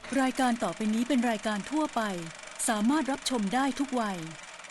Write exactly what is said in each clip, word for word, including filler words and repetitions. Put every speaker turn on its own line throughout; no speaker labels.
รายการต่อไปนี้เป็นรายการทั่วไปสามารถรับชมได้ทุกวัย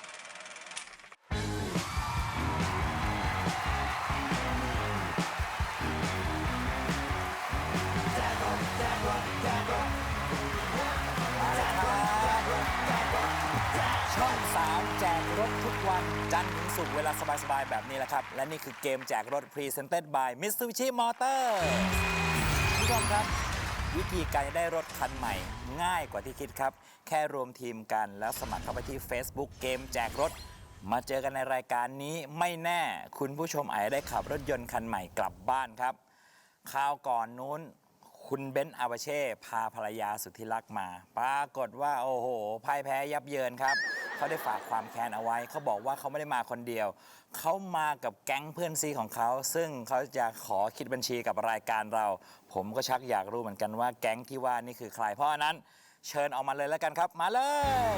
ช่องสามแจกรถทุกวันจันทร์ถึงศุกร์เวลาสบายๆแบบนี้แหละครับและนี่คือเกมแจกรถ Presented by Mitsubishi Motors ผู้ชมครับวิธีการจะได้รถคันใหม่ง่ายกว่าที่คิดครับแค่รวมทีมกันแล้วสมัครเข้าไปที่ Facebook เกมแจกรถมาเจอกันในรายการนี้ไม่แน่คุณผู้ชมอาจจะได้ขับรถยนต์คันใหม่กลับบ้านครับคราวก่อนนู้นคุณเบนซ์อาบาเช่พาภรรยาสุดที่รักมาปรากฏว่าโอ้โหพ่ายแพ้ยับเยินครับเขาได้ฝากความแค้นเอาไว้เขาบอกว่าเขาไม่ได้มาคนเดียวเขามากับแก๊งเพื่อนซีของเขาซึ่งเขาจะขอคิดบัญชีกับรายการเราผมก็ชักอยากรู้เหมือนกันว่าแก๊งที่ว่านี่คือใครเพราะฉะนั้นเชิญออกมาเลยแล้วกันครับมาเลย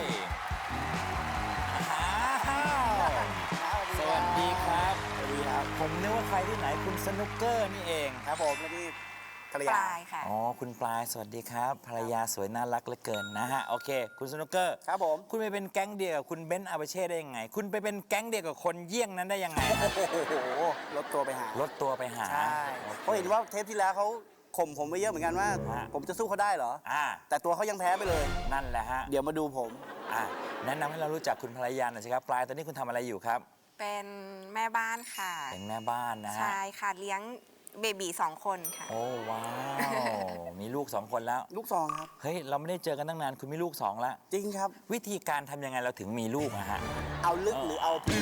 สวัสดีครับสวัสดีครับผมนึกว่าใครที่ไหนคุณสนุกเกอร์นี่เองครับผมไม่ได้ภรรยา
ปลายค่ะ
อ๋อคุณปลายสวัสดีครับภรรยาสวยน่ารักเหลือเกินนะฮะโอเคคุณสนุกเกอร์ครับผมคุณไปเป็นแก๊งเดียวกับคุณเบนซ์อาบาเช่ได้ยังไงคุณไปเป็นแก๊งเดียวกับคนเยี่ยงนั้นได้ยังไงโอ้โห
ลดตัวไปหา
ลดตัวไปหา
ใช่เพราะเห็นว่าเทปที่แล้วเขาข่มผมไปเยอะเหมือนกันว่า ผมจะสู้เขาได้เหรอ
อ่า
แต่ตัวเขายังแพ้ไปเลย
นั่นแหละฮะ
เดี๋ยวมาดูผม
อ่าแนะนำให้เรารู้จักคุณภรรยาหน่อยสิครับปลายตอนนี้คุณทำอะไรอยู่ครับ
เป็นแม่บ้านค่ะ
เป็นแม่บ้านนะฮะ
ใช่ค่ะเลี้ยงเบบีสองคนค่ะ
โอ้ว้าวมีลูกสองคนแล้ว
ลูกซองครับ
เฮ้ยเราไม่ได้เจอกันตั้งนานคุณมีลูกสองแล้ว
จริงครับ
วิธีการทำยังไงเราถึงมีลูกอะฮะ
เอาลึกหรือเอาพี่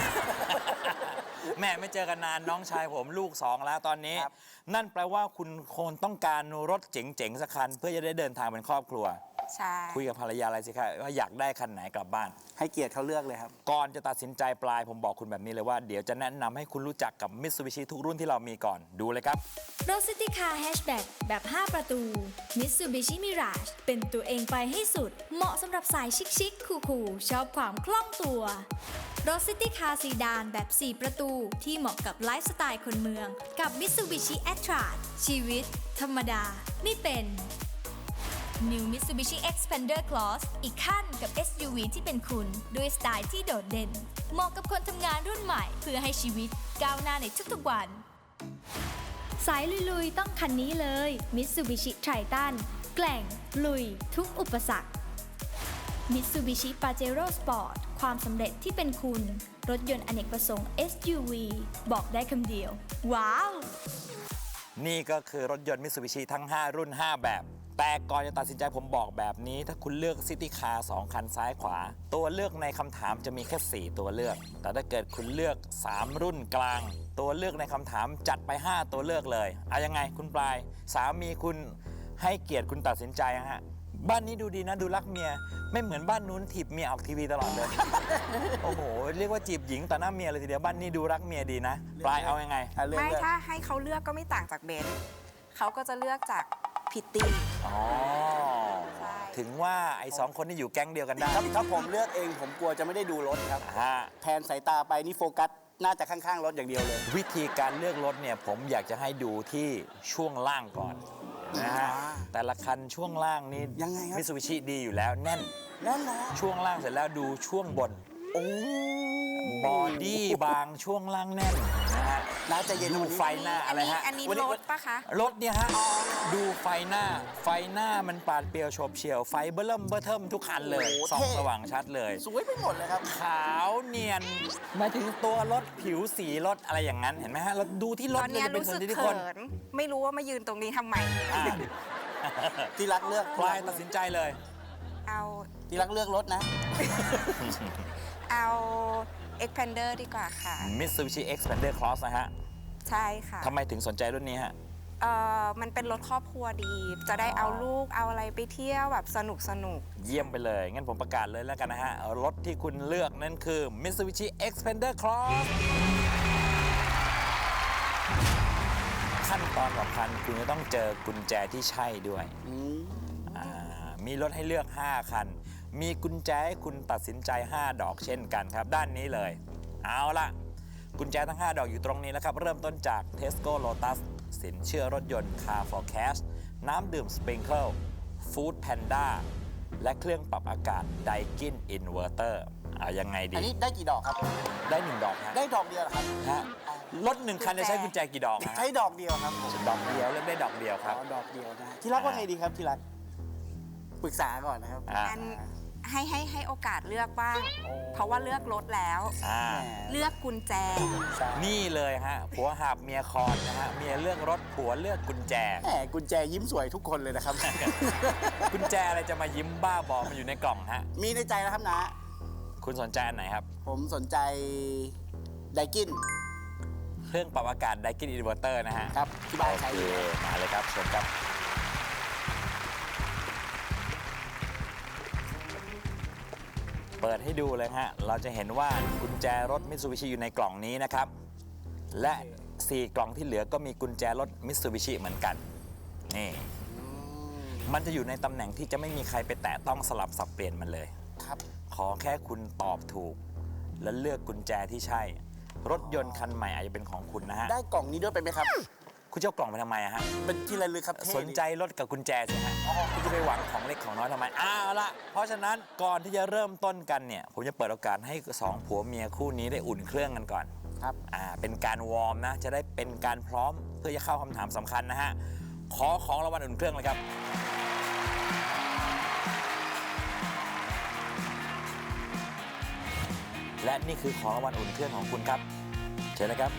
แม่ไม่เจอกันนานน้องชายผมลูกสองแล้วตอนนี้
ครับ
นั่นแปลว่าคุณคงต้องการรถเจ๋งๆสักคันเพื่อจะได้เดินทางเป็นครอบครัว
ใช่
คุยกับภรรยาอะไรสิครับว่าอยากได้คันไหนกลับบ้าน
ให้เกียรติเขาเลือกเลยครับ
ก่อนจะตัดสินใจปลายผมบอกคุณแบบนี้เลยว่าเดี๋ยวจะแนะนำให้คุณรู้จักกับ Mitsubishi ทุกรุ่นที่เรามีก่อนดูเลยครับ
รถซิตี้คาร์แฮชแบ็กแบบ ห้า ประตู Mitsubishi Mirage เป็นตัวเองไปให้สุด เหมาะสำหรับสายชิคๆคูลๆชอบความคล่องตัว รถซิตี้คาร์ซีดานแบบ สี่ ประตู ที่เหมาะกับไลฟ์สไตล์คนเมือง กับ Mitsubishi Attrage ชีวิต ธรรมดา ไม่เป็น New Mitsubishi Xpander Cross อีกขั้นกับ เอส ยู วี ที่เป็นคุณ ด้วยสไตล์ที่โดดเด่น เหมาะกับคนทำงานรุ่นใหม่เพื่อให้ชีวิตก้าวหน้าในทุกๆวัน สายลุยๆ ต้องคันนี้เลย Mitsubishi Triton แกล่ง ลุย ทุกอุปสรรค Mitsubishi Pajero Sport ความสำเร็จที่เป็นคุณ รถยนต์อเนกประสงค์ เอส ยู วี บอกได้คำเดียว ว้าว
นี่ก็คือรถยนต์ Mitsubishi ทั้ง ห้า รุ่น ห้า แบบ แต่ก่อนจะตัดสินใจผมบอกแบบนี้ถ้าคุณเลือกซิตี้คาร์สองคันซ้ายขวา ตัวเลือกในคำถามจะมีแค่ สี่ ตัวเลือก แต่ถ้าเกิดคุณเลือก สาม รุ่นกลาง ตัวเลือกในคำถามจัดไป ห้า ตัวเลือกเลยเอายังไงคุณปลายสามีคุณให้เกียรติคุณตัดสินใจนะฮะบ้านนี้ดูดีนะดูรักเมียไม่เหมือนบ้านนู้นถีบเมียออกทีวีตลอดเลย โอ้โหเรียกว่าจีบหญิงต่อหน้าเมียเลยทีเดียวบ้านนี้ดูรักเมียดีนะปลายเอายังไง
ไม่ถ้าให้เขาเลือกก็ไม่ต่างจากเบนซ์เขาก็จะเลือกจากพิตตี้
อ๋อ
ใช่
ถึงว่าไอ้สองคนนี่อยู่แก๊งเดียวกันได้
ถ้าถ้าผมเลือกเองผมกลัวจะไม่ได้ดูรถครับ
ฮะ
แทนสายตาไปนี่โฟกัสน่าจะข้างๆรถอย่างเดียวเลย
วิธีการเลือกรถเนี่ยผมอยากจะให้ดูที่ช่วงล่างก่อนนะฮะ
อ่า
แต่ละคันช่วงล่างนี่
ยังไงครับ
มิตซูบิชิดีอยู่แล้วแน่น
นั่นแหละ
ช่วงล่างเสร็จแล้วดูช่วงบน
โอ้
บอดี้บางช่วงล่างแน่นนะฮะ
น่าจะเย็น
ดู
วันนี้
ไฟหน้าอะไรฮะ
อันนี้
วันนี้
รถปะคะ
รถเนี่ยฮะดูไฟหน้า ไฟหน้ามันปาดเปรียวโฉบเฉี่ยวไฟเบิ่มเบิ่เทิมทุกคันเลยส่องสว่างชัดเลย
สวยไปหมดเลยครับ
ขาวเนียนหมายถึงตัวรถผิวสีรถอะไรอย่างนั้นเห็นไหมฮะเราดูที่ร
ต
ถ
อน
เล
เนี้
ย
ย
จะเป็น
รู้
ส่ว
สึ
น
ก
ที่ทุก
เขิ
คน
น ไม่รู้ว่ามายืนตรงนี้ทำไม
อ่า
ที่รักเลือก
ปลายตัดสินใจเลย
เอา
ที่รักเลือกรถนะ
เอา Xpander ดีกว่าค่ะ
Mitsubishi Xpander Cross นะฮะ
ใช่ค่ะ
ทำไมถึงสนใจรุ่นนี้ฮะ
เอ่อมันเป็นรถครอบครัวดี จะได้เอาลูกเอาอะไรไปเที่ยวแบบสนุกสนุก
เยี่ยมไปเลย งั้นผมประกาศเลยแล้วกันนะฮะ รถที่คุณเลือกนั่นคือ Mitsubishi Xpander Cross ขั้นตอนสำคัญคุณจะต้องเจอกุญแจที่ใช่ด้วย
อืม
อ่ามีรถให้เลือก ห้า คัน มีกุญแจให้คุณตัดสินใจ ห้า ดอกเช่นกันครับ ด้านนี้เลย เอาล่ะ กุญแจทั้ง ห้า ดอกอยู่ตรงนี้แล้วครับ เริ่มต้นจาก Tesco Lotus สินเชื่อรถยนต์ Car for Cash น้ำดื่ม Sprinkle ฟู้ดแพนด้าและเครื่องปรับอากาศไดกินอินเวอร์เตอร์เอายังไงดี
อันนี้ได้กี่ดอกครับ
ได้หนึ่งดอกฮะ
ได้ดอกเดียวเหรอครับ
ฮะรถหนึ่งคันจะใช้กุญแจกี่ดอกฮะ
ใช้ดอกเดียวครับ
ดอกเดียวเลือกได้ดอกเดียวครับ
อ๋อดอกเดียวนะที่รักว่าไงดีครับที่รักปรึกษาก่อนนะครับ
อ่า
อันให้ให้ให้โอกาสเลือกบ้าง เพราะว่าเลือกรถแล้ว
อ่า
แหม
เลือกกุญแจ
ใช่
นี่เลยฮะผัวหาบเมียคอนนะฮะเมียเลือกรถผัวเลือกกุญแจ
แหมกุญแจยิ้มสวยทุกคนเลยนะครับ
กุญแจอะไรจะมายิ้มบ้าบอมันอยู่ในกล่องฮะ
มีในใจแล้วครับนะ
คุณสนใจอันไหนครับ
ผมสนใจไดกิน
เครื่องปรับอากาศไดกินอินเวอร์เตอร์นะฮะ
ครับที่บ้าน
โอ
ใช้
เค
อยู่
มาเลยครับเชิญครับ เปิดให้ดูเลยฮะ เราจะเห็นว่ากุญแจรถมิตซูบิชิอยู่ในกล่องนี้นะครับ และสี่กล่องที่เหลือก็มีกุญแจรถมิตซูบิชิเหมือนกัน นี่ มันจะอยู่ในตำแหน่งที่จะไม่มีใครไปแตะต้องสลับสับเปลี่ยนมันเลย
ครับ
ขอแค่คุณตอบถูก และเลือกกุญแจที่ใช่ รถยนต์คันใหม่อาจจะเป็นของคุณนะฮะ
ได้กล่องนี้ด้วยเป็นไหมครับ
คุณจะเอากล่องไปทำไมอะฮะ
เป็นที่ระลึกครับเท่
สนใจรถกับกุญแจสิฮะคุณจะไปหวังของเล็กของน้อยทำไมอ้าวละเพราะฉะนั้นก่อนที่จะเริ่มต้นกันเนี่ย ผมจะเปิดโอกาสให้สองผัวเมียคู่นี้ได้อุ่นเครื่องกันก่อน
ครับ
อ่าเป็นการวอร์มนะ จะได้เป็นการพร้อมเพื่อจะเข้าคำถามสำคัญนะฮะ ขอของรางวัลอุ่นเครื่องเลยครับ และนี่คือของรางวัลอุ่นเครื่องของคุณครับเชิญนะครับ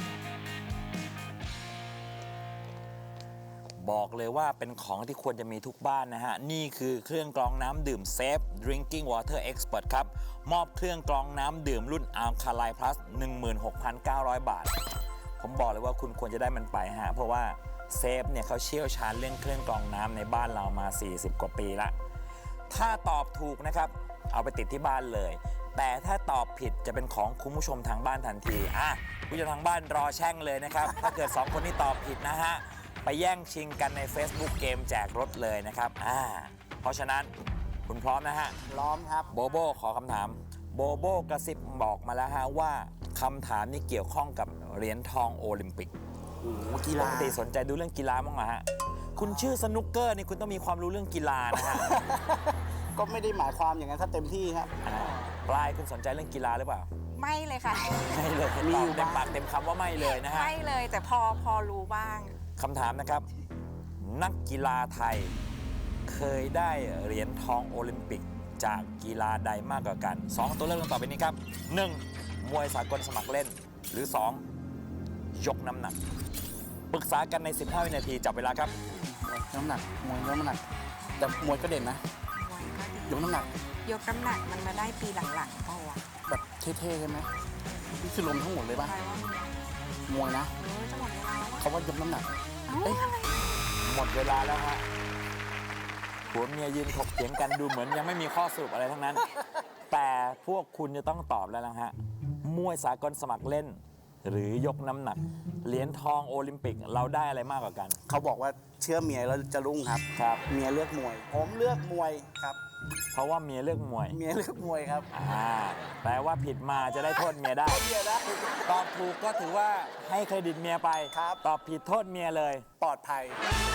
บอกเลยว่าเป็นของที่ควรจะมีทุกบ้านนะฮะ นี่คือเครื่องกรองน้ำดื่มเซฟ Drinking Water Expert ครับ มอบเครื่องกรองน้ำดื่มรุ่น Alkaline Plus หนึ่งหมื่นหกพันเก้าร้อย บาท ผมบอกเลยว่าคุณควรจะได้มันไปฮะ เพราะว่าเซฟเนี่ยเขาเชี่ยวชาญเรื่องเครื่องกรองน้ำในบ้านเรามา สี่สิบ กว่าปีละ ถ้าตอบถูกนะครับ เอาไปติดที่บ้านเลย แต่ถ้าตอบผิดจะเป็นของคุณผู้ชมทางบ้านทันที อ่ะผู้ชมทางบ้านรอแช่งเลยนะครับ ถ้าเกิดสองคนนี้ตอบผิดนะฮะ ไปแย่งชิงกันใน Facebook เกมแจกรถเลยนะครับ อ่า เพราะฉะนั้นคุณพร้อมนะฮะ
พร้อมครับ
โบโบขอคำถาม โบโบกระซิบบอกมาแล้วฮะว่าคำถามนี้เกี่ยวข้องกับเหรียญทองโอลิมปิก
โอ้โหกี
ป
ฬาก
ติสนใจดูเรื่องกีฬาบ้างไหมฮะ คุณชื่อสนุกเกอร์นี่คุณต้องมีความรู้เรื่องกีฬานะฮะ
ก็ไม่ได้หมายความอย่างนั้นถ้าเต็มที่ครับ
อ่าปลายคุณสนใจเรื่องกีฬาหรือเปล่า
ไม่เลยค่ะ
ไม่เลย
มี
ต
อ
อยู่ บเต็ม
บ้าง
ปากเต็มคำว่าไม่เลยนะฮะ
ไม่เลยแต่พอพอรู้บ้าง
คำถามนะครับ นักกีฬาไทยเคยได้เหรียญทองโอลิมปิกจากกีฬาใดมากกว่ากันสองตัวเลือกดังต่อไปนี้ครับหนึ่งมวยสากลสมัครเล่น หรือสองยกน้ำหนัก ปรึกษากันใน สิบห้า วินาทีจับเวลาครับ
น้ำหนักมวยน้ำหนัก แต่มวยก็เด่นนะ ยกน้ำหนัก
ยกน้ำหนักมันมาได้ปีหลังๆเปล่าวะ
แบบเท่ๆใช่ไหมนี่คือลมทั้งหมดเลยป่ะ
ใครว่ามี
มวยนะ
เออจะหมดเวลาแล้ววะ
เขาว่ายกน้ำหนัก
เอ้า
เอ้ย
อะไร
หมดเวลาแล้วฮะผัวเมียยืนถกเถียงกันดูเหมือนยังไม่มีข้อสรุปอะไรทั้งนั้น แต่พวกคุณจะต้องตอบแล้วนะฮะ มวยสากลสมัครเล่น หรือยกน้ำหนัก เหรียญทองโอลิมปิกเราได้อะไรมากกว่ากัน
เขาบอกว่าเชื่อเมียแล้วจะรุ่งครับ
ครับ
เมียเลือกมวย ผมเลือกมวยครับ
เพราะว่าเมียเลือกมวย
เมียเลือกมวยครับ
อ่าแปลว่าผิดมาจะได้โทษเมียได้
เมียได้
ตอบถูกก็ถือว่าให้เครดิตเมียไป
ครับ
ตอบผิดโทษเมียเลย
ปลอดภัย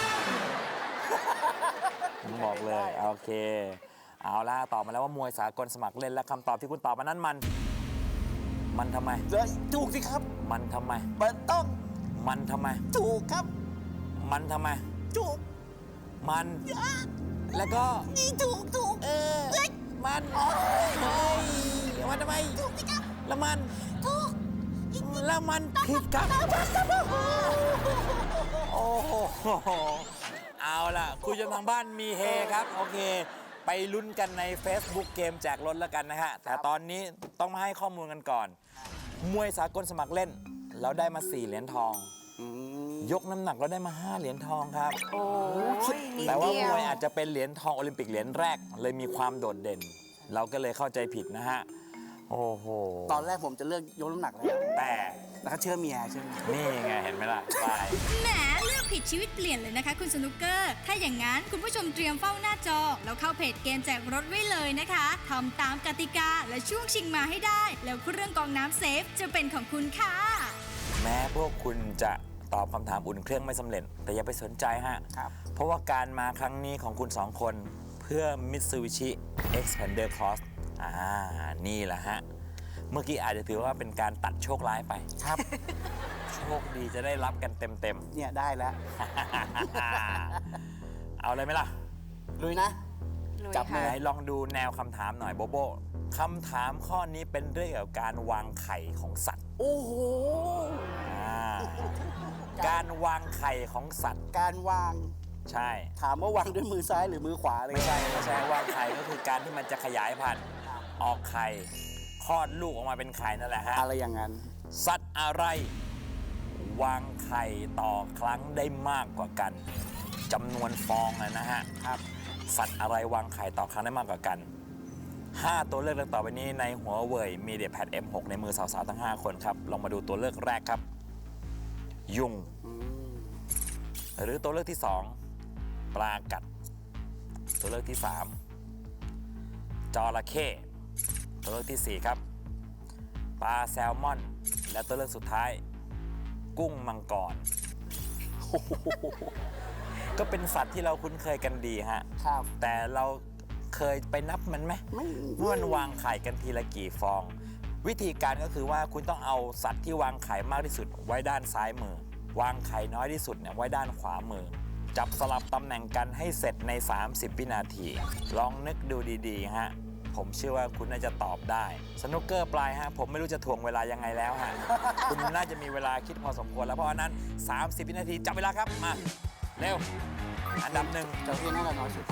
ผมบอกเลย โอเค เอาล่ะตอบมาแล้วว่ามวยสากลสมัครเล่นและคำตอบที่คุณตอบมานั้นมัน มันทำไม
เฮ้ยถูกสิครับ
มันทำไม
มันต้อง
มันทำไม
ถูกครับ
มันทำไม
ถูก
มัน แล้วก็
นี่ถูกถูก
เออ มันเฮ้ยมันทำไม
ถูกสิครับ
แล้วมัน
ถูก
แล้วมันผิดครับ โอ้โห เอาล่ะ คุณผู้ชมทางบ้านมีเฮครับ โอเค ไปลุ้นกันใน Facebook เกมแจกรถแล้วกันนะฮะ แต่ตอนนี้ต้องมาให้ข้อมูลกันก่อน มวยสากลสมัครเล่น เราได้มา สี่ เหรียญทอง
อืม
ยกน้ำหนักเราได้มา ห้า เหรียญทองครับ
โอ้ยนิด
แต่ว่า
เดี
ม
ยว
วยอาจจะเป็นเหรียญทองโอลิมปิกเหรียญแรก เลยมีความโดดเด่น เราก็เลยเข้าใจผิดนะฮะ โอ้โห
ตอนแรกผมจะเลือกยกน้ำหนักแล้ว
แต่
แล้วก็เชื่อเมียเชื่อเมีย
นี่ไงเห็นไหมล่ะไป
แหมเลือกผิดชีวิตเปลี่ยนเลยนะคะคุณสนุกเกอร์ ถ้าอย่างนั้นคุณผู้ชมเตรียมเฝ้าหน้าจอ แล้วเข้าเพจเกมแจกรถไว้เลยนะคะทำตามกติกาและช่วงชิงมาให้ได้ แล้วเครื่องกรองน้ำเซฟจะเป็นของคุณค่ะ
แม้พวกคุณจะตอบคำถามอุ่นเครื่องไม่สำเร็จ แต่อย่าไปสนใจฮะ
ครับ
เพราะว่าการมาครั้งนี้ของคุณสองคนเพื่อ Mitsubishi Xpander Cross อ่า นี่แหละฮะ เมื่อกี้อาจจะถือว่าเป็นการตัดโชคร้ายไป
ครับ
โชคดีจะได้รับกันเต็ม
เนี่ยได้แล้ว
ๆ เอาเลยไหมล่ะ
ลุยนะ
ลุย
จับมื
ค่ะ
อ
ไหนลองดูแนวคำถามหน่อยโบโบคำถามข้อนี้เป็นเรื่องเกี่ยวกับการวางไข่ของสัตว์
โอ้โห
อ่าการวางไข่ของสัตว์
การวาง
ใช่
ถามว่าวางด้วยมือซ้ายหรือมือขวาเลย
ไม่ใช่ไม่ใช่วางไข่ก็คือการที่มันจะขยายพันธุ์ออกไข่คลอดลูกออกมาเป็นไข่นั่นแหละฮะ
อะไรอย่างนั้น
สัตว์อะไร วางไข่ต่อครั้งได้มากกว่ากันจำนวนฟองอะนะฮะ
ครับ
สัตว์อะไรวางไข่ต่อครั้งได้มากกว่ากัน ห้า ตัวเลือกดังต่อไปนี้ในหัวเว่ย MediaPad เอ็ม หก ในมือสาวๆทั้ง ห้า คนครับ ลองมาดูตัวเลือกแรกครับ ยุง
อืม
หรือตัวเลือกที่ สอง ปลากัด ตัวเลือกที่ สาม จระเข้ตัวเลือกที่ สี่ ครับ ปลาแซลมอน และตัวเลือกสุดท้าย กุ้งมังกร ก็เป็นสัตว์ที่เราคุ้นเคยกันดีฮะ
ครับ
แต่เราเคยไปนับมันไหม
ไม่
ว่ามันวางไข่กันทีละกี่ฟอง วิธีการก็คือว่าคุณต้องเอาสัตว์ที่วางไข่มากที่สุดไว้ด้านซ้ายมือ วางไข่น้อยที่สุดเนี่ยไว้ด้านขวามือ จับสลับตำแหน่งกันให้เสร็จใน สามสิบ วินาที ลองนึกดูดีๆฮะ ผมเชื่อว่าคุณน่าจะตอบได้ สนุกเกอร์ปลายฮะ ผมไม่รู้จะถ่วงเวลายังไงแล้วฮะ คุณน่าจะมีเวลาคิดพอสมควรแล้วเพราะฉะนั้น สามสิบ วินาทีจับเวลาครับ มา เร็ว อันดับหนึ่ง
จระเข้น่าจะน้อยสุด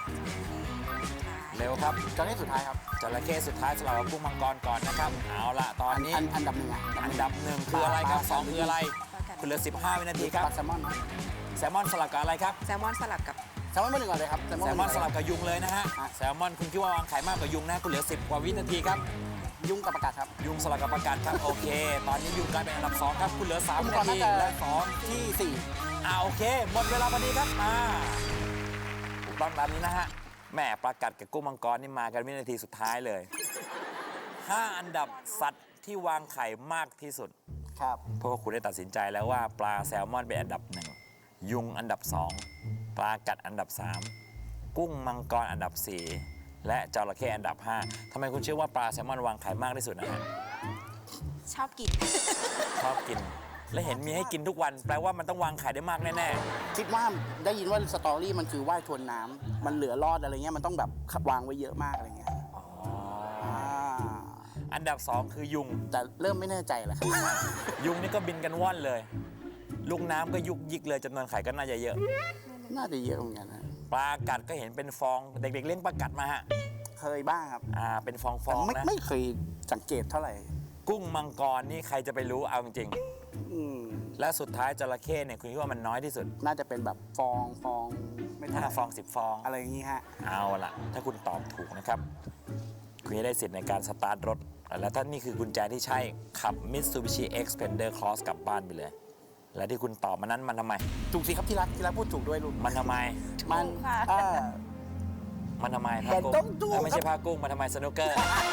เร็วครับ
จระเข้สุดท้ายครับ
จระเข้สุดท้ายสำหรับกุ้งมังกรก่อนนะครับ เอาละตอนนี้
อันอันดับหนึ่งอ่ะ
อันดับหนึ่งคืออะไรครับสองคืออะไร คุณเหลือ สิบห้า วินาทีครับ
ปลาแซลมอน
แซลมอนสลับกับอะไรครับ
แซลมอนสลับกับ
แซลมอนเบอร์หนึ่งก่อนเลยครับ
แซลมอนสลับกับยุงเลยนะฮะ
ฮะ
แซลมอนคุณคิดว่าวางไข่มากกว่ายุงนะ คุณเหลือ สิบ กว่าวินาทีครับ
ยุงกับประกาศครับ
ยุงสลับกับประกาศครับ โอเค ตอนนี้ยุงกลายเป็นอันดับสองครับ คุณเหลือ สาม วิ
ก่อ
นาที
จะ
และสอง
ที่สี่
อ่าโอเค หมดเวลาพอดีครับมาถูกต้องตามนี้นะฮะแหม่ประกาศกับกุ้งมังกรนี่มากันวินาทีสุดท้ายเลยห้าอันดับสัตว์ที่วางไข่มากที่สุด
ครับ
เพราะว่าคุณได้ตัดสินใจแล้วว่าปลาแซลมอนเป็นอันดับหนึ่งยุงอันดับสองปลากัดอันดับสามกุ้งมังกรอันดับสี่และจระเข้อันดับห้าทำไมคุณเชื่อว่าปลาแซลมอนวางไข่มากที่สุดนะฮะ
ชอบกิน
ชอบกิน และเห็นมีให้กินทุกวัน แปลว่ามันต้องวางไข่ได้มากแน่
คิดว่าได้ยินว่าสตอรี่มันคือว่ายทวนน้ำมันเหลือรอดอะไรเงี้ยมันต้องแบบวางไว้เยอะมากอะไรเงี้ย
ๆอ๋อ
อ่า
อันดับสองคือยุง
แต่เริ่มไม่แน่ใจแล้วครับ
ยุงนี่ก็บินกันว่อนเลย ลูกน้ำก็ยุกยิกเลยจำนวนไข่ก็น่าจะเยอะ
น่าจะเยอะเหมือนกันนะ
ปลากัดก็เห็นเป็นฟอง เด็กๆเลี้ยงปลากัดมาฮะ
เคยบ้างครับ
อ่า เป็นฟอง
แต่
ๆ
ไม่
นะ
ไม่เคยสังเกตเท่าไหร่
กุ้งมังกรนี่ใครจะไปรู้เอาจริง
อืม
ๆ และสุดท้ายจระเข้เนี่ยคุณคิดว่ามันน้อยที่สุด
น่าจะเป็นแบบฟองฟองไม่เท่าไห
ห้า
ร่
ฟองสิบฟอง
อะไรอย่างงี้ฮะ
เอาล่ะ ถ้าคุณตอบถูกนะครับ คุณจะได้สิทธิ์ในการสตาร์ทรถ และถ้านี่คือกุญแจที่ใช้ขับ Mitsubishi Xpander Cross กลับบ้านไปเลย และที่คุณตอบมานั้นมันทำไม
ถูกสิครับที่รักที่รักพูดถูกด้วยลูก
มันทำไม
มัน
ถูกค่ะ
อ่า
มันทำไมผ้า
แต่
กุ้ง
ต้องถูก
เอ้ยไม่
ครั
ใช่
บ
ผ้ากุ้งมันทำไมสนุกเกอร์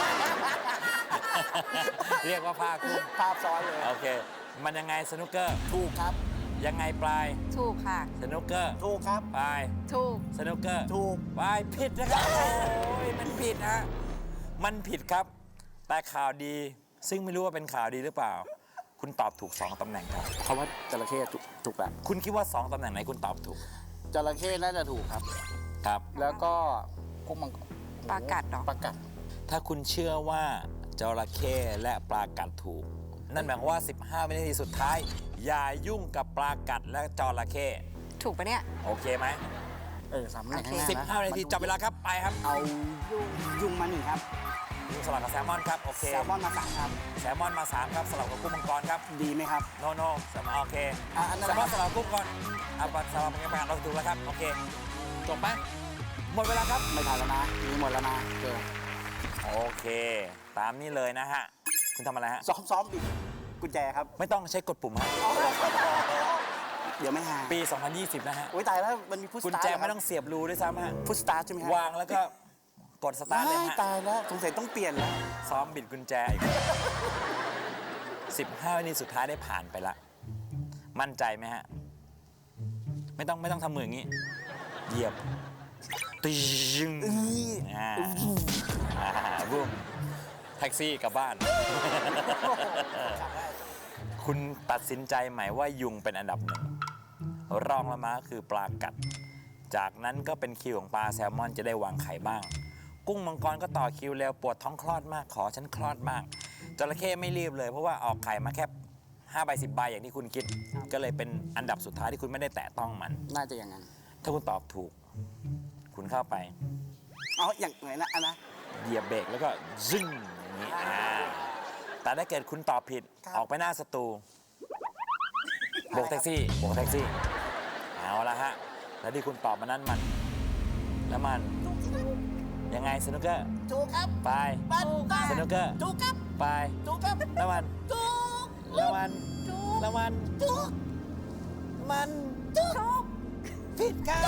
เรียกว่าผ้ากุ้ง
ภาพซ้อนเลย
โอเค มันยังไงสนุกเกอร์
ถูกครับ
ยังไงปลาย
ถูกค่ะ
สนุกเกอร์
ถูกครับ
ปลาย
ถูก
สนุกเกอร์
ถูก
ปลายผิดนะครับ โอ้ยมันผิดฮะมันผิดครับ แต่ข่าวดี ซึ่งไม่รู้ว่าเป็นข่าวดีหรือเปล่า คุณตอบถูก สอง ตำแหน่งครับ
เพราะว่าจระเข้ถูกถูกแหละ
คุณคิดว่า สอง ตำแหน่งไหนคุณตอบถูก
จระเข้น่าจะถูกครับ
ครับ
แล้วก็กุ้งมังกร
ปลากัดเหรอ
ปลากัด
ถ้าคุณเชื่อว่าจระเข้และปลากัดถูก นั่นหมายความว่า สิบห้า วินาทีสุดท้าย อย่ายุ่งกับปลากัดและจระเข้
ถูกปะเนี่ย
โอเคไหม
เออสามตำแหน่งข้างหน้า
สิบห้า วินาทีจับเวลาครับไปครับ
เอายุงยุงมาหนึ่งครับ
ยุงสลับกับแซลมอนครับโอเค
แซลมอนมาสามครับ
แซลมอนมาสามครับสลับกับกุ้งมังกรครับ
ดีไหมครับ
โนโนแซลมอนโอเค
อ่ะอันนั้น
แซลมอนสลับกับกุ้งก่อนเอาปลาสลับกับปลาเราถูกแล้วครับโอเคจบไหมหมดเวลาครับ
ไม่ทันแล้วนะมีหมดแล้วนะเจอ
โอเค ตามนี้เลยนะฮะคุณทำอะไรฮะ
ซ้อมซ้อมบิดกุญแจครับ
ไม่ต้องใช้กดปุ่มฮะ
เดี๋ยวไม่หา
ปี สองพันยี่สิบ นะฮะ
โอ้ยตายแล้วมันมีพุช
กุญ
สตาร์
แจไม่ต้องเสียบรูด้วยซ้ำฮะ
พุชสตาร์ใช่ไหมครับ
วางแล้วก็กดสตาร์ทเลย
ว้าย
ฮะ
ตายแล้วสงสัยต้องเปลี่ยนแล้ว
ซ้อมบิดกุญแจอีก สิบห้า วินาทีสุดท้ายได้ผ่านไปละมั่นใจไหมฮะ ไม่ต้องไม่ต้องทำมืออย่างนี้ เหยียบตึงอ่าอ่าบุ้มแท็กซี่กลับบ้าน คุณตัดสินใจไหมว่ายุงเป็นอันดับหนึ่ง รองลงมาคือปลากัด จากนั้นก็เป็นคิวของปลาแซลมอนจะได้วางไข่บ้าง กุ้งมังกรก็ต่อคิวเร็วปวดท้องคลอดมากขอฉันคลอดมากจระเข้ไม่รีบเลยเพราะว่าออกไข่มาแค่ห้าใบสิบใบอย่างที่คุณคิด ก็เลยเป็นอันดับสุดท้ายที่คุณไม่ได้แตะต้องมัน
น่าจะอย่างนั้น
ถ้าคุณตอบถูก คุณเข้าไป
เอาอย่างไหนนะอันนะ
เหยียบเบรกแล้วก็ซึ่งอย่างนี้อ่าแต่ถ้าเกิดคุณตอบผิด
ครับ
ออกไปหน้าสตูโบกแท็กซี่โบกแท็กซี่เอาละฮะแล้วที่คุณตอบมานั้นมันแล้วมันยังไงสนุกเกอร์
ถูกครับ
ไป
บ้านถูกครับ
สนุกเกอร์
ถูกครับ
ไป
ถูกครับ
แล้วมัน
ถูก
แล้วมัน
ถูก
แล้วมัน
ถูก
มันถูกผิดครับ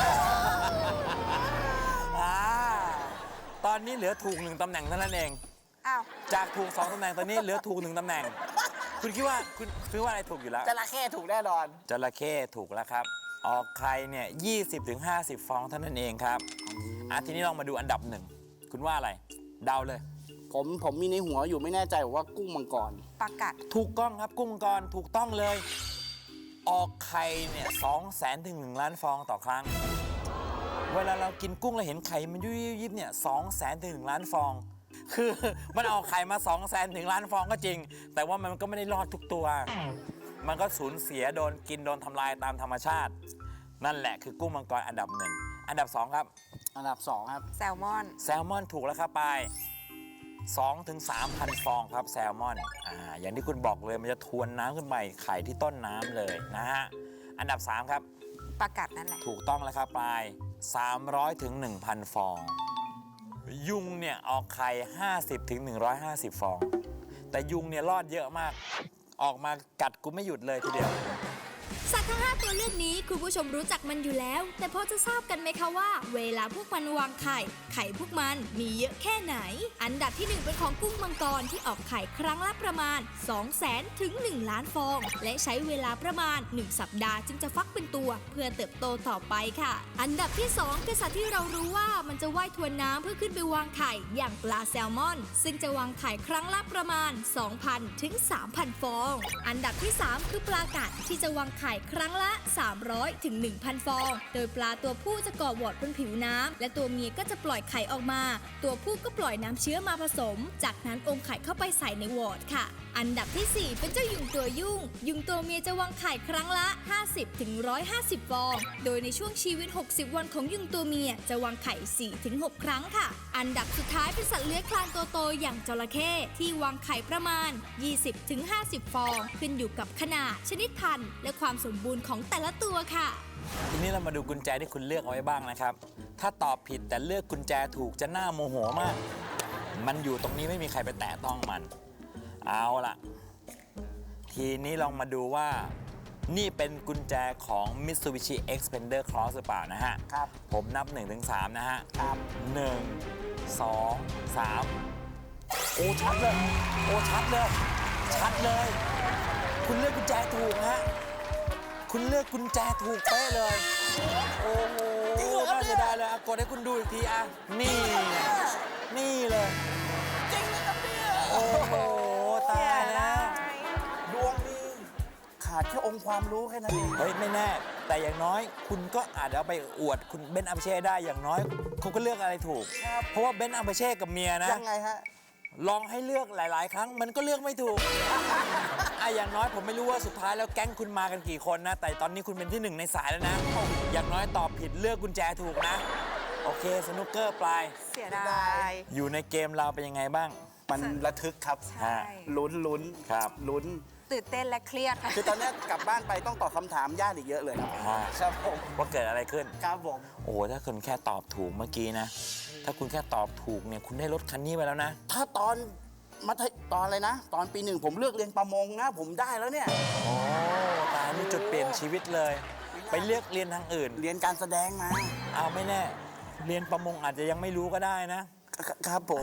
อ่าตอนนี้เหลือถูกหนึ่งตำแหน่งเท่านั้นเอง
อ้าว
จากถูกสองตำแหน่งตอนนี้เหลือถูกหนึ่งตำแหน่ง คุณคิดว่าคุณคิดว่าอะไรถูกอยู่แล้ว
จระเข้ถูกแน่นอน
จระเข้ถูกแล้วครับ ออกไข่เนี่ยยี่สิบถึงห้าสิบฟองเท่านั้นเองครับอ่ะทีนี้ลองมาดูอันดับหนึ่งคุณว่าอะไร เดาเลย
ผมผมมีในหัวอยู่ไม่แน่ใจว่ากุ้งมังกร
ปลากัด
ถูกต้องครับกุ้งมังกรถูกต้องเลย ออกไข่เนี่ยสองแสนถึงหนึ่งล้านฟองต่อครั้ง เวลาเรากินกุ้งเราเห็นไข่มันยุบยิบเนี่ยสองแสนถึงหนึ่งล้านฟอง คือมันออกไข่มาสองแสนถึงล้านฟองก็จริง แต่ว่ามันก็ไม่ได้รอดทุกตัว มันก็สูญเสียโดนกินโดนทำลายตามธรรมชาติ นั่นแหละคือกุ้งมังกรอันดับหนึ่งอันดับสองครับ
อันดับสองครับ
แซลมอน
แซลมอนถูกแล้วครับไปสองถึงสามพันฟองครับแซลมอนอ่าอย่างที่คุณบอกเลยมันจะทวนน้ำขึ้นไปไข่ที่ต้นน้ำเลยนะฮะอันดับสามครับ
ปลากัดนั่นแหละ
ถูกต้องแล้วครับปลายสามร้อยถึงหนึ่งพันฟอง ยุงเนี่ยออกไข่ห้าสิบถึงหนึ่งร้อยห้าสิบฟอง แต่ยุงเนี่ยรอดเยอะมาก ออกมากัดกูไม่หยุดเลยทีเดียว
สัตว์ทั้งห้าตัวเลือกนี้คุณผู้ชมรู้จักมันอยู่แล้ว แต่พอจะทราบกันไหมคะว่า เวลาพวกมันวางไข่ ไข่พวกมันมีเยอะแค่ไหน อันดับที่หนึ่งเป็นของกุ้งมังกรที่ออกไข่ครั้งละประมาณ สองแสน ถึง หนึ่ง ล้านฟอง และใช้เวลาประมาณ หนึ่ง สัปดาห์จึงจะฟักเป็นตัว เพื่อเติบโตต่อไปค่ะ อันดับที่สองคือสัตว์ที่เรารู้ว่ามันจะว่ายทวนน้ำเพื่อขึ้นไปวางไข่อย่างปลาแซลมอน ซึ่งจะวางไข่ครั้งละประมาณ สองพัน ถึง สามพัน ฟอง อันดับที่สามคือปลากัดที่จะวางไข่ครั้งละ สามร้อย ถึง หนึ่งพัน ฟอง โดยปลาตัวผู้จะเกาะวอร์ดบนผิวน้ำและตัวเมียก็จะปล่อยไข่ออกมา ตัวผู้ก็ปล่อยน้ำเชื้อมาผสม จากนั้นอมไข่เข้าไปใส่ในวอร์ดค่ะ อันดับที่สี่เป็นเจ้ายุงตัวยุ่ง ยุงตัวเมียจะวางไข่ครั้งละ ห้าสิบ ถึง หนึ่งร้อยห้าสิบ ฟอง โดยในช่วงชีวิต หกสิบ วันของยุงตัวเมียจะวางไข่ สี่ ถึง หก ครั้งค่ะ อันดับสุดท้ายเป็นสัตว์เลื้อยคลานตัวโตอย่างจระเข้ที่วางไข่ประมาณ ยี่สิบ ถึง ห้าสิบ ฟอง ขึ้นอยู่กับขนาด ชนิดพันธุ์ และความสมบูรณ์ของแต่ละตัวค่ะ
ทีนี้เรามาดูกุญแจที่คุณเลือกเอาไว้บ้างนะครับ ถ้าตอบผิดแต่เลือกกุญแจถูกจะน่าโมโหมาก มันอยู่ตรงนี้ไม่มีใครไปแตะต้องมัน เอาล่ะ ทีนี้ลองมาดูว่า นี่เป็นกุญแจของ Mitsubishi Xpander Cross หรือเปล่านะฮะ
ครับ
ผมนับ หนึ่งถึงสาม นะฮะ
ครับ
หนึ่ง สอง สาม โอ้ ชัดเลย โอ้ ชัดเลย ชัดเลย คุณเลือกกุญแจถูกฮะ คุณเลือกกุญแจถูกเป๊ะเลย โอ้โหน่าเสียดายเลยอ่ะกดให้คุณดูอีกทีอ่ะ นี่ไงนี่เลย
จริงเลยครับเนี่ย
โอ้โห ตายแล้ว
ดวงดี ขาดแค่องค์ความรู้แค่นั้นเอง
เฮ้ย ไม่แน่ แต่อย่างน้อยคุณก็อาจจะเอาไปอวดคุณเบนซ์อัมเช่ได้อย่างน้อย คุณก็เลือกอะไรถูก
ครับ
เพราะว่าเบนซ์อัมเช่กับเมียนะ
ยังไงฮะ
ลองให้เลือกหลาย ๆ ครั้งมันก็เลือกไม่ถูก อ่ะอย่างน้อยผมไม่รู้ว่าสุดท้ายแล้วแก๊งคุณมากันกี่คนนะ แต่ตอนนี้คุณเป็นที่หนึ่งในสายแล้วนะ อย่างน้อยตอบผิดเลือกกุญแจถูกนะ โอเคสนุกเกอร์ปลาย
เสียดาย
อยู่ในเกมเราเป็นยังไงบ้าง
มันระทึกครับ
ใช่
ลุ้นลุ้น
ครับ
ลุ้น
ตื่นเต้นและเครียดค่ะ
คือตอนเนี้ยกลับบ้านไปต้องตอบคำถามยากอีกเยอะเลยครับ
อ่า
ครับผม
ว่าเกิดอะไรขึ้น
ครับผม
โอ้โหถ้าคุณแค่ตอบถูกเมื่อกี้นะ ถ้าคุณแค่ตอบถูกเนี่ยคุณได้รถคันนี้ไปแล้วนะ
ถ้าตอนมัธยตอนอะไรนะ ตอนปีหนึ่งผมเลือกเรียนประมงนะ ผมได้แล้วเนี่ย
โอ้ตายนี่จุดเปลี่ยนชีวิตเลย ไปเลือกเรียนทางอื่น
เรียนการแสดงมา
เอาไม่แน่ เรียนประมงอาจจะยังไม่รู้ก็ได้นะ
ครับผม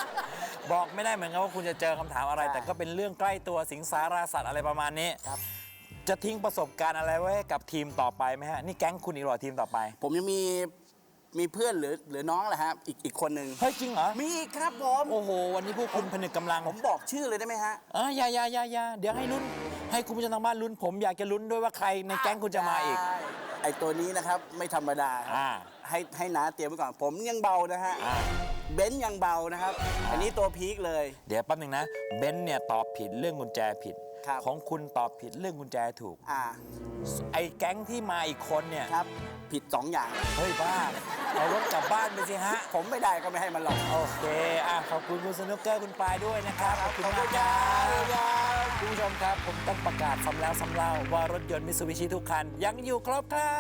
บอกไม่ได้เหมือนกันว่าคุณจะเจอคำถามอะไร
ใช่
แต่ก็เป็นเรื่องใกล้ตัวสิงสาราสัตว์อะไรประมาณนี้
ครับ
จะทิ้งประสบการณ์อะไรไว้ให้กับทีมต่อไปไหมฮะ นี่แก๊งคุณอีกหรอทีมต่อไป
ผมยังมีมีเพื่อนหรือหรือน้องแหละฮะอีกอีกคนหนึ่ง
เฮ้ย จริงเหรอ
มีอีกครับผม
โอ้โห วันนี้พวกคุณผนึกกำลัง
ผมบอกชื่อเลยได้ไหมฮะ
เอออย่าอย่าอย่าอย่าเดี๋ยวให้ลุ้น ให้คุณผู้ชมทางบ้านลุ้น ผมอยากจะลุ้นด้วยว่าใครในแก๊งคุณจะมาอีก
ได้ไอตัวนี้นะครับไม่ธรรมดาครับ
อ่า
ให้ให้น้าเตรียมไว้ก่อน ผมยังเบานะฮะ
อ่า
เบนซ์ยังเบานะครับ อันนี้ตัวพีคเลย
เดี๋ยวแป๊บหนึงนะ เบนซ์เนี่ยตอบผิดเรื่องกุญแจผิด
ครับ
ของคุณตอบผิดเรื่องกุญแจถูก
อ่า
ไอ้แก๊งที่มาอีกคนเนี่ย
ครับผิดสองอย่าง
เฮ้ยบ้า เอารถกลับบ้านไปสิฮะ
ผมไม่ได้ก็ไม่ให้มันหรอก
โอเค อ่ะ ขอบคุณคุณสนุกเกอร์คุณปายด้วยนะครับ ขอบคุณมากค
ค
รั
รับ
คุณผู้ชมครับ ผมต้องประกาศซ้ำแล้วซ้ำเล่าว่ารถยนต์มิตซูบิชิทุกคัน ยังอยู่ครบครับ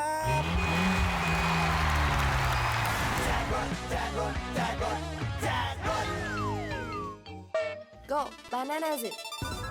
Go Bananas